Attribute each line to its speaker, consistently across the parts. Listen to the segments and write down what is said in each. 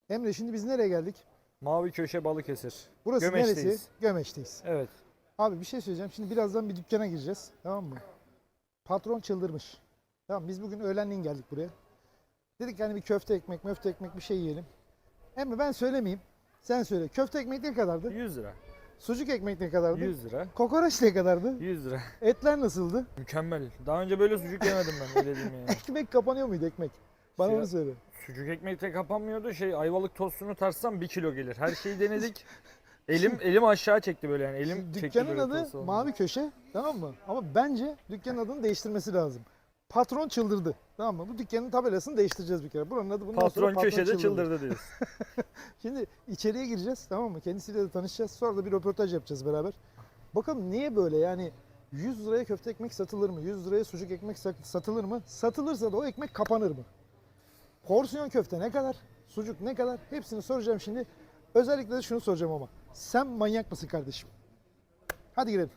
Speaker 1: Emre şimdi biz nereye geldik?
Speaker 2: Mavi Köşe Balıkesir.
Speaker 1: Burası
Speaker 2: Gömeç'teyiz.
Speaker 1: neresi? Gömeç'teyiz.
Speaker 2: Evet.
Speaker 1: Abi bir şey söyleyeceğim. Şimdi birazdan bir dükkana gireceğiz. Tamam mı? Patron çıldırmış. Tamam biz bugün öğlenleyin geldik buraya. Dedik hani bir köfte ekmek, möfte ekmek bir şey yiyelim. Emre ben söylemeyeyim. Sen söyle. Köfte ekmek ne kadardı?
Speaker 2: 100 lira.
Speaker 1: Sucuk ekmek ne kadardı?
Speaker 2: 100 lira.
Speaker 1: Kokoreç ne kadardı?
Speaker 2: 100 lira.
Speaker 1: Etler nasıldı?
Speaker 2: Mükemmel. Daha önce böyle sucuk yemedim ben, öyle diyeyim yani.
Speaker 1: Ekmek kapanıyor muydu ekmek? Bana
Speaker 2: Ya-
Speaker 1: onu söyle.
Speaker 2: Sucuk ekmekte kapanmıyordu. Ayvalık tostunu tarsam 1 kilo gelir. Her şeyi denedik. Elim aşağı çekti böyle yani. Elim çekti
Speaker 1: Dükkanın
Speaker 2: böyle
Speaker 1: adı
Speaker 2: tost olunca.
Speaker 1: Mavi Köşe, tamam mı? Ama bence dükkanın adını değiştirmesi lazım. Patron çıldırdı, tamam mı? Bu dükkanın tabelasını değiştireceğiz bir kere. Buranın adı bundan sonra
Speaker 2: Patron köşede çıldırdı diyoruz.
Speaker 1: Şimdi içeriye gireceğiz, tamam mı? Kendisiyle de tanışacağız. Sonra da bir röportaj yapacağız beraber. Bakalım niye böyle yani 100 liraya köfte ekmek satılır mı? 100 liraya sucuk ekmek satılır mı? Satılırsa da o ekmek kapanır mı? Porsiyon köfte ne kadar? Sucuk ne kadar? Hepsini soracağım şimdi. Özellikle de şunu soracağım ama. Sen manyak mısın kardeşim? Hadi girelim.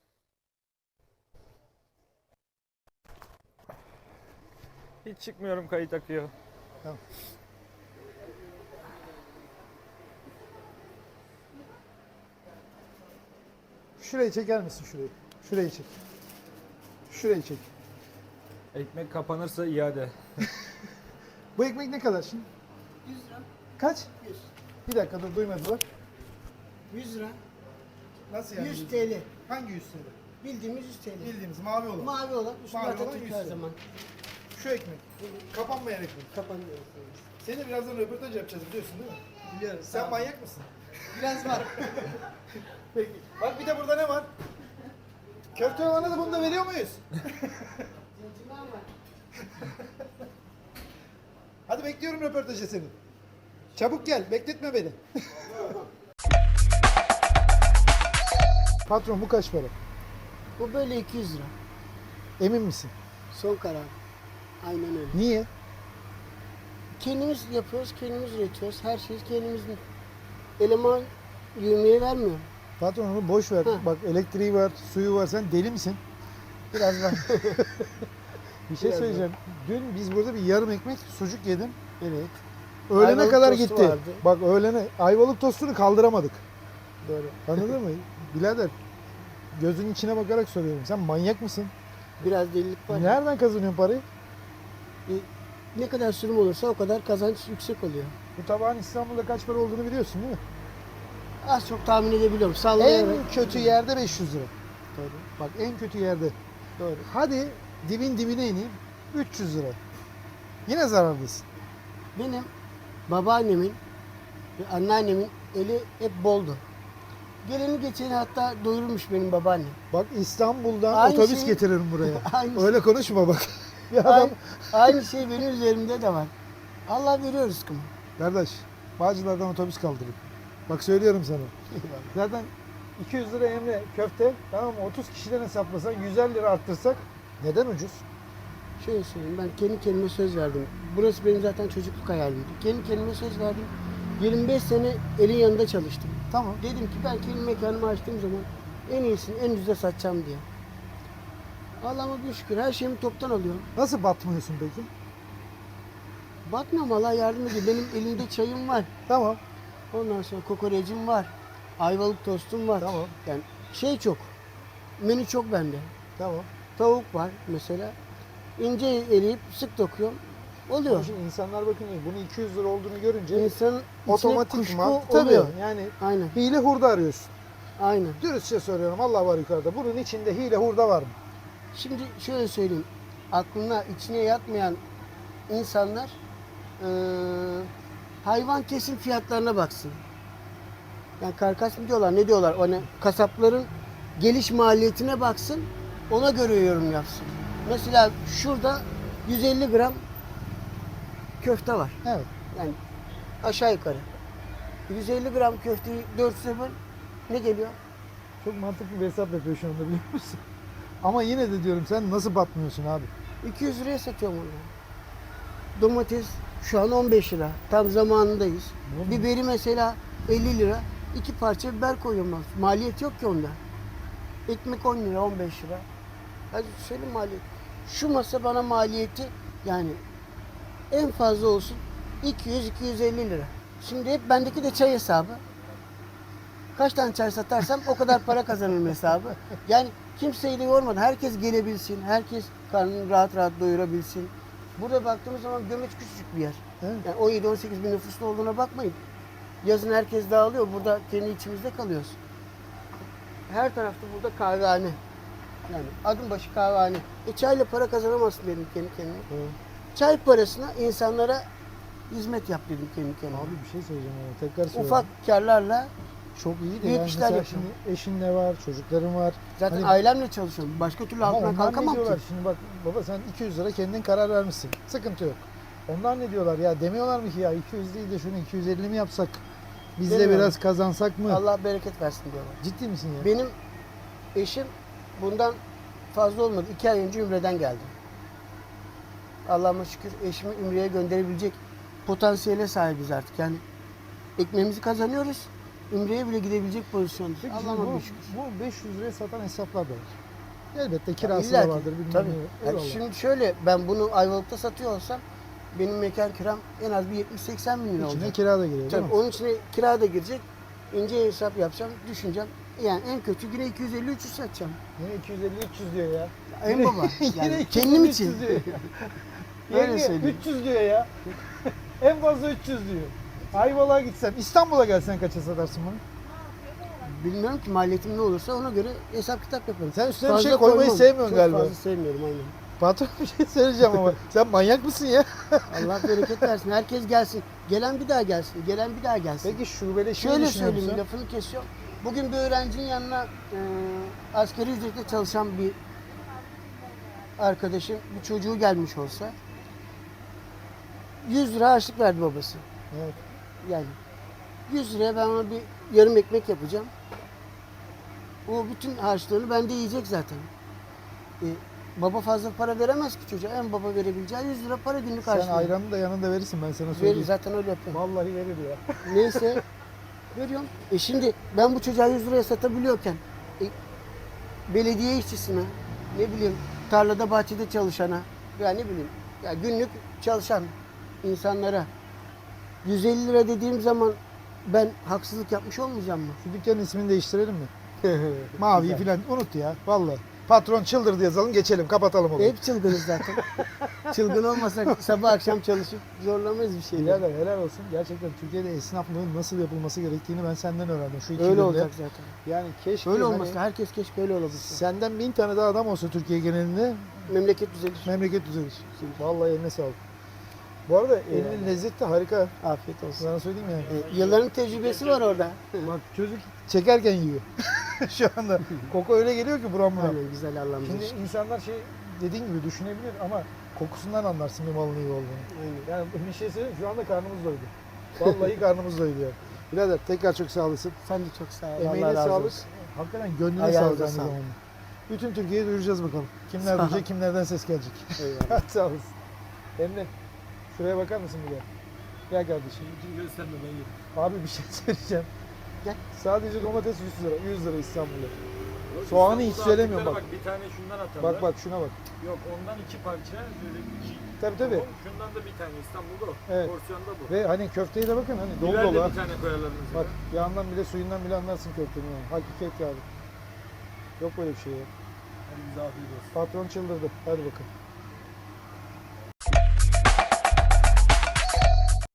Speaker 2: Hiç çıkmıyorum, kayıt akıyor.
Speaker 1: Tamam. Şurayı çeker misin şurayı? Şurayı çek. Şurayı çek.
Speaker 2: Ekmek kapanırsa iade.
Speaker 1: Bu ekmek ne kadar şimdi?
Speaker 3: 100 lira.
Speaker 1: Kaç?
Speaker 3: 100.
Speaker 1: Bir dakika dur duymadılar.
Speaker 3: 100 lira.
Speaker 1: Nasıl
Speaker 3: 100 TL.
Speaker 1: Hangi 100 TL?
Speaker 3: Bildiğimiz 100 TL.
Speaker 1: Bildiğimiz mavi olan.
Speaker 3: Mavi olan üstünde
Speaker 1: Mavi olan
Speaker 3: Atatürk
Speaker 1: 100
Speaker 3: her
Speaker 1: TL.
Speaker 3: zaman.
Speaker 1: Şu ekmek. Kapanmayan ekmek.
Speaker 3: Kapanıyor.
Speaker 1: Seni birazdan röportaj yapacağız biliyorsun değil mi?
Speaker 3: Biliyorum.
Speaker 1: Sen manyak mısın?
Speaker 3: Biraz var.
Speaker 1: Peki. Bak bir de burada ne var? Köfte olana da bunu da veriyor muyuz?
Speaker 3: Zincirler var.
Speaker 1: Hadi bekliyorum röportajı seni. Çabuk gel, bekletme beni. Patron bu kaç para?
Speaker 3: Bu böyle 200 lira.
Speaker 1: Emin misin?
Speaker 3: Son karar. Aynen öyle.
Speaker 1: Niye?
Speaker 3: Kendimiz yapıyoruz, kendimiz üretiyoruz. Her şeyi kendimizin. Eleman yövmeye vermiyor.
Speaker 1: Patron onu boş ver.
Speaker 3: Hı.
Speaker 1: Bak elektriği var, suyu var. Sen deli misin? Biraz var. Bir şey
Speaker 3: Biraz
Speaker 1: söyleyeceğim. Dün biz burada bir yarım ekmek sucuk yedim.
Speaker 3: Evet.
Speaker 1: Öğlene
Speaker 3: Ayvalık
Speaker 1: kadar
Speaker 3: tostu
Speaker 1: gitti.
Speaker 3: vardı.
Speaker 1: Bak öğlene ayvalık tostunu kaldıramadık.
Speaker 3: Doğru.
Speaker 1: Anladın mı? Birader gözünün içine bakarak soruyorum. Sen manyak mısın?
Speaker 3: Biraz delilik var.
Speaker 1: Nereden kazanıyorsun parayı?
Speaker 3: Ne kadar sürüm olursa o kadar kazanç yüksek oluyor.
Speaker 1: Bu tabağın İstanbul'da kaç para olduğunu biliyorsun değil mi?
Speaker 3: Az çok tahmin edebiliyorum. Sallayarak.
Speaker 1: En kötü yerde 500 lira.
Speaker 3: Doğru.
Speaker 1: Bak en kötü yerde.
Speaker 3: Doğru.
Speaker 1: Hadi dibin dibine ineyim. 300 lira. Yine zarardasın.
Speaker 3: Benim babaannemin ve anneannemin eli hep boldu. Geleni geçeni hatta doyurmuş benim babaannem.
Speaker 1: Bak İstanbul'dan
Speaker 3: Aynı
Speaker 1: otobüs
Speaker 3: şey-
Speaker 1: getiririm buraya.
Speaker 3: Aynı,
Speaker 1: Öyle konuşma bak. Bir adam...
Speaker 3: aynı şey benim üzerimde de var. Allah veriyor rızkımı.
Speaker 1: Kardeş, Bağcılar'dan otobüs kaldırın. Bak söylüyorum sana. Zaten 200 lira Emre köfte, tamam mı? 30 kişiden hesaplasan 150 lira arttırsak neden ucuz?
Speaker 3: Şöyle söyleyeyim, ben kendi kendime söz verdim. Burası benim zaten çocukluk hayalimdi. Kendi kendime söz verdim. 25 sene elin yanında çalıştım.
Speaker 1: Tamam.
Speaker 3: Dedim ki ben kendi mekanımı açtığım zaman en iyisini en ucuza satacağım diye. Allah'ıma bir şükür her şeyimi toptan alıyorum.
Speaker 1: Nasıl batmıyorsun peki?
Speaker 3: Batmam, Allah yardım ediyor. Benim elimde çayım var.
Speaker 1: Tamam.
Speaker 3: Ondan sonra kokorecim var. Ayvalık tostum var.
Speaker 1: Tamam.
Speaker 3: Yani şey çok. Menü çok bende.
Speaker 1: Tamam.
Speaker 3: Tavuk var mesela. İnce eleyip sık dokuyorum. Oluyor.
Speaker 1: Ama şimdi insanlar bakın bunun 200 lira olduğunu görünce
Speaker 3: İnsanın içine
Speaker 1: otomatikman
Speaker 3: kuşku oluyor.
Speaker 1: tabii yani
Speaker 3: Aynen.
Speaker 1: hile hurda arıyorsun.
Speaker 3: Aynen.
Speaker 1: Dürüstçe soruyorum Allah var yukarıda. Bunun içinde hile hurda var mı?
Speaker 3: Şimdi şöyle söyleyeyim. Aklına içine yatmayan insanlar hayvan kesim fiyatlarına baksın. Yani karkas mı diyorlar, ne diyorlar? Hani kasapların geliş maliyetine baksın. Ona göre yorum yapsın. Mesela şurada 150 gram köfte var.
Speaker 1: Evet.
Speaker 3: Yani aşağı yukarı. 150 gram köfteyi 4'e böl, ne geliyor?
Speaker 1: Çok mantıklı bir hesap yapıyor şu anda biliyor musun? Ama yine de diyorum sen nasıl batmıyorsun abi?
Speaker 3: 200 liraya satıyorum onu. Domates şu an 15 lira. Tam zamanındayız.
Speaker 1: Oğlum.
Speaker 3: Biberi mesela 50 lira. 2 parça biber koyuyorum ben. Maliyet yok ki onda. Ekmek 10 lira, 15 lira. Hadi söyle maliyet. Şu masa bana maliyeti yani en fazla olsun 200-250 lira. Şimdi hep bendeki de çay hesabı. Kaç tane çay satarsam o kadar para kazanırım hesabı. Yani kimseyi de yormadan herkes gelebilsin, herkes karnını rahat rahat doyurabilsin. Burada baktığımız zaman Gömeç küçücük bir yer.
Speaker 1: Evet.
Speaker 3: Yani 17-18 bin nüfuslu olduğuna bakmayın. Yazın herkes dağılıyor, burada kendi içimizde kalıyoruz. Her tarafta burada kahvehane. Yani adım başı kahvehane. Çayla para kazanamazsın dedim kendi kendime.
Speaker 1: Evet.
Speaker 3: Çay parasına insanlara hizmet yap dedim kendi kendime.
Speaker 1: Abi bir şey söyleyeceğim ama tekrar söylüyorum.
Speaker 3: Ufak karlarla
Speaker 1: Çok iyi de
Speaker 3: büyük
Speaker 1: yani
Speaker 3: işler
Speaker 1: mesela
Speaker 3: yapıyorum.
Speaker 1: şimdi eşin de var, çocukların var.
Speaker 3: zaten
Speaker 1: Hani-
Speaker 3: ailemle çalışıyorum. Başka türlü
Speaker 1: Ama
Speaker 3: altından
Speaker 1: onlar ne
Speaker 3: kalkamam ki.
Speaker 1: diyorlar? Şimdi bak baba sen 200 lira kendin karar vermişsin. Sıkıntı yok. Onlar ne diyorlar ya? Demiyorlar mı ki ya 200 değil de şunu 250 mi yapsak? Biz de
Speaker 3: Demiyorlar.
Speaker 1: biraz kazansak mı?
Speaker 3: Allah bereket versin diyorlar.
Speaker 1: Ciddi misin ya?
Speaker 3: Benim eşim bundan fazla olmadı. 2 ay önce Ümre'den geldi. Allah'ıma şükür eşimi Ümre'ye gönderebilecek potansiyele sahibiz artık. Yani ekmeğimizi kazanıyoruz. Ümre'ye bile gidebilecek pozisyondayız.
Speaker 1: Peki
Speaker 3: Allah'ıma
Speaker 1: bu,
Speaker 3: bir şükür.
Speaker 1: bu 500 liraya satan hesaplar da var. Elbette kirası
Speaker 3: İlla
Speaker 1: da
Speaker 3: ki,
Speaker 1: vardır bilmem
Speaker 3: tabii.
Speaker 1: ne.
Speaker 3: Yani
Speaker 1: Eyvallah.
Speaker 3: şimdi şöyle ben bunu Ayvalık'ta satıyor olsam benim mekan kiram en az bir 70-80 bin lira
Speaker 1: İçine
Speaker 3: olacak.
Speaker 1: kira da giriyor değil
Speaker 3: Tabii
Speaker 1: mi?
Speaker 3: onun içine kira da girecek. İnce hesap yapacağım, düşüneceğim. Yani en kötü yine 250-300 satacağım.
Speaker 1: Yine 250-300 diyor ya.
Speaker 3: En baba.
Speaker 1: Yine
Speaker 3: Yani
Speaker 1: 250,
Speaker 3: kendim
Speaker 1: 300
Speaker 3: için.
Speaker 1: diyor.
Speaker 3: Öyle
Speaker 1: Yenge
Speaker 3: söyleyeyim.
Speaker 1: 300 diyor ya. En fazla 300 diyor. Ayvalık'a gitsen, İstanbul'a gelsen kaça satarsın bunu?
Speaker 3: Bilmiyorum ki maliyetim ne olursa ona göre hesap kitap yaparım.
Speaker 1: Sen üstüne bir
Speaker 3: Fazla
Speaker 1: şey koymayı
Speaker 3: koymam.
Speaker 1: sevmiyorsun
Speaker 3: Çok
Speaker 1: galiba.
Speaker 3: fazla sevmiyorum aynen.
Speaker 1: Patron bir şey söyleyeceğim ama sen manyak mısın ya?
Speaker 3: Allah bereket versin. Herkes gelsin. Gelen bir daha gelsin. Gelen bir daha gelsin.
Speaker 1: Peki şubeleşmeyi
Speaker 3: Şöyle
Speaker 1: düşünüyor
Speaker 3: söyleyeyim,
Speaker 1: musun?
Speaker 3: lafını kesiyorum. Bugün bir öğrencinin yanına asgari ücretle çalışan bir arkadaşım, bir çocuğu gelmiş olsa 100 lira harçlık verdi babası.
Speaker 1: Evet.
Speaker 3: Yani 100 liraya ben ona bir yarım ekmek yapacağım. O bütün harçlığını bende yiyecek zaten. Baba fazla para veremez ki çocuğa. En baba verebileceği 100 lira para günlük
Speaker 1: Sen
Speaker 3: harçlığı.
Speaker 1: ayranı da yanında verirsin ben sana
Speaker 3: Verir,
Speaker 1: söyleyeyim.
Speaker 3: zaten öyle yapıyorum.
Speaker 1: Vallahi verir ya.
Speaker 3: Neyse veriyorum. Şimdi ben bu çocuğa 100 liraya satabiliyorken belediye işçisine, ne bileyim tarlada bahçede çalışana ya ne bileyim ya günlük çalışan insanlara 150 lira dediğim zaman ben haksızlık yapmış olmayacağım mı?
Speaker 1: Şu dükkanın ismini değiştirelim mi? Maviyi falan unut ya. Vallahi. Patron çıldırdı yazalım geçelim kapatalım olayı.
Speaker 3: Hep çılgınız zaten. Çılgın olmasak sabah akşam çalışıp zorlamayız bir şeyler.
Speaker 1: Birader helal olsun. Gerçekten Türkiye'de esnaflığın nasıl yapılması gerektiğini ben senden öğrendim. Şu 2
Speaker 3: Öyle
Speaker 1: yılda.
Speaker 3: olacak zaten.
Speaker 1: Yani keşke
Speaker 3: Öyle
Speaker 1: hani
Speaker 3: olmasa herkes keşke öyle olabilse.
Speaker 1: senden 1000 tane daha adam olsa Türkiye genelinde
Speaker 3: Memleket düzelir.
Speaker 1: memleket düzelir. Vallahi eline sağlık. Bu arada elinin lezzeti de harika.
Speaker 3: Afiyet olsun.
Speaker 1: Sana söyleyeyim yani.
Speaker 3: Yılların tecrübesi var orada.
Speaker 1: Bak çocuk çekerken yiyor. Şu anda koku öyle geliyor ki buram buram.
Speaker 3: Aynen güzel Allah'ım.
Speaker 1: Şimdi insanlar şey dediğin gibi düşünebilir ama kokusundan anlarsın bir malın iyi olduğunu.
Speaker 3: Aynen.
Speaker 1: Yani bir şey söyleyeyim şu anda karnımız doydu. Vallahi karnımız doydu yani. Birader tekrar çok sağ olasın.
Speaker 3: Sen de çok sağ ol.
Speaker 1: Emeğine
Speaker 3: Allah razı
Speaker 1: sağlık.
Speaker 3: olsun.
Speaker 1: Hakikaten gönlüne
Speaker 3: Ayağınıza
Speaker 1: sağlık aynı
Speaker 3: sağlık.
Speaker 1: zamanda. Bütün Türkiye'ye duyuracağız bakalım. Kimler
Speaker 3: Sağ ol.
Speaker 1: duyacak, kimlerden ses gelecek.
Speaker 3: Eyvallah.
Speaker 1: Sağ olasın. Emre, şuraya bakar mısın bir de? Gel kardeşim.
Speaker 2: Gösterme ben yedim.
Speaker 1: Abi bir şey söyleyeceğim.
Speaker 3: Gel.
Speaker 1: Sadece domates 100 lira. 100 lira İstanbul'da. Soğanı hiç söylemiyorum bak.
Speaker 2: Bir tane şundan atalım.
Speaker 1: Bak bak şuna bak.
Speaker 2: Yok ondan 2 parça. Böyle 2.
Speaker 1: Tabii tabii.
Speaker 2: Şundan da bir tane İstanbul'da o.
Speaker 1: Evet.
Speaker 2: Porsiyonda bu.
Speaker 1: Ve hani köfteye de bakın hani dolu
Speaker 2: Biber
Speaker 1: dolu
Speaker 2: de
Speaker 1: ha.
Speaker 2: bir tane koyarlar mesela.
Speaker 1: Bak yağından bile suyundan bile anlarsın köftenin yani. Hakikat yani. Yok böyle bir şey ya.
Speaker 2: Hadi bize afiyet olsun.
Speaker 1: Patron çıldırdı. Hadi bakın.